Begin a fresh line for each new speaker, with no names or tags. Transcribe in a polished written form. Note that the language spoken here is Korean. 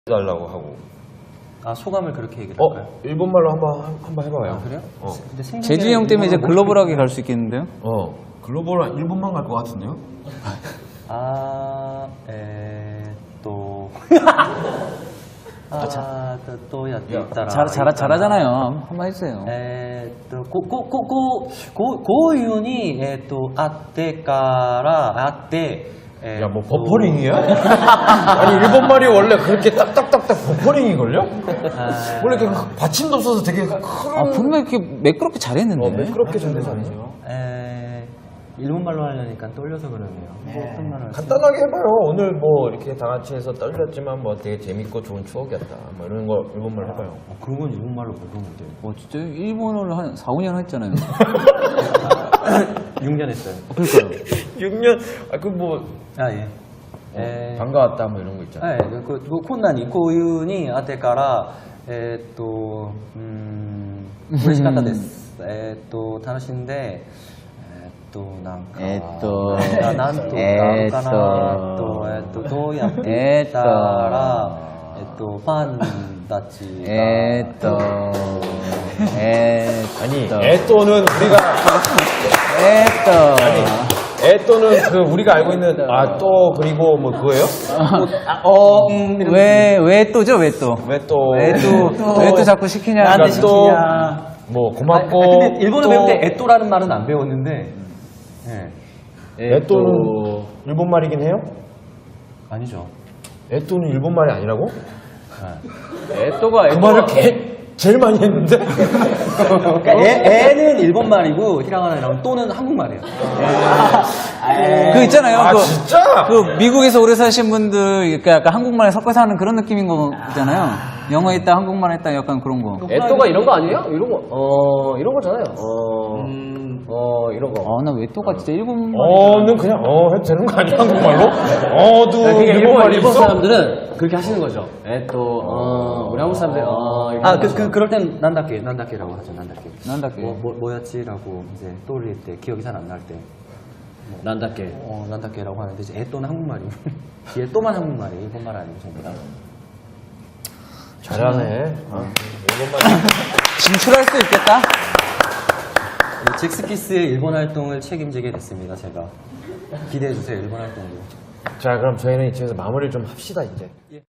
달라고 하고.
아, 소감을 그렇게 얘기를 할까요?
일본말로 한번 해봐요.
아, 그래요? 근데 생각에
재준이 형 때문에 이제
일본어를
글로벌하게 갈 수 있겠는데요?
글로벌 일본만 갈 것 같은데요?
또やったら
잘하잖아요. 한번 해주세요.
こういうに、あってから、あって、
야, 뭐 버퍼링이야? 아니 일본말이 원래 그렇게 딱딱딱딱 버퍼링이걸요? 원래 이렇게 받침도 없어서 되게 큰...
분명히 이렇게 매끄럽게 잘했는데.
매끄럽게 전대사네요.
일본말로 하려니까 떨려서 그러네요. 어떤 말을 하지?
간단하게 해봐요. 오늘 뭐 이렇게 다 같이 해서 떨렸지만 뭐 되게 재밌고 좋은 추억이었다. 뭐 이런 거 일본말 해봐요.
그런 건 일본말로 모르는데.
진짜 일본어를 한 4, 5년 했잖아요.
6년 했어요.
그러니까요.
6년, 그 뭐, 반가웠다 뭐 이런 거 있잖아요.
困難にこういうにあってから嬉しかったです。楽しんでなんかなんとかかなどうやってたらファンたちが
아니, 에또는 우리가 에또는 그 우리가 알고 있는 또 그리고 뭐 그거예요?
왜 또죠? 왜 또?
왜 또?
왜 또 자꾸 시키냐?
나한테
그러니까 또
시키냐?
뭐 고맙고.
근데 일본어 배울 때 에또라는 말은 안 배웠는데.
에또는 일본 말이긴 해요?
아니죠.
에또는 일본 말이 아니라고?
에또가
그 말을 제일 많이 했는데.
그러니까 애는 일본 말이고 히라가나랑 또는 한국 말이에요.
그 있잖아요.
진짜?
그 미국에서 오래 사신 분들 그러니까 약간 한국말 섞어서 하는 그런 느낌인 거잖아요. 영어 했다 한국말 했다 약간 그런 거.
에또가 이런 거 아니에요? 이런 거, 이런 거잖아요. 이런 거.
나 왜 또가 진짜 일본
는 그냥 해도 되는 거 아니야 한국말로? 도
그러니까
일본 말이
일본
있어?
사람들은 그렇게 하시는 거죠. 우리 한국 사람들,
그럴 땐 난다케라고 하죠.
난다케.
뭐였지라고 이제 떠올릴 때 기억이 잘 안 날 때.
난다케.
난다케라고 하는데 이제 애또는 한국말이고 뒤에 또만 한국말이에요. 일본 말 아니고 전부 다.
잘하네. 일본말.
진출할 수 있겠다.
잭스키스의 일본 활동을 책임지게 됐습니다. 제가 기대해 주세요. 일본 활동도.
자, 그럼 저희는 이쯤에서 마무리를 좀 합시다 이제.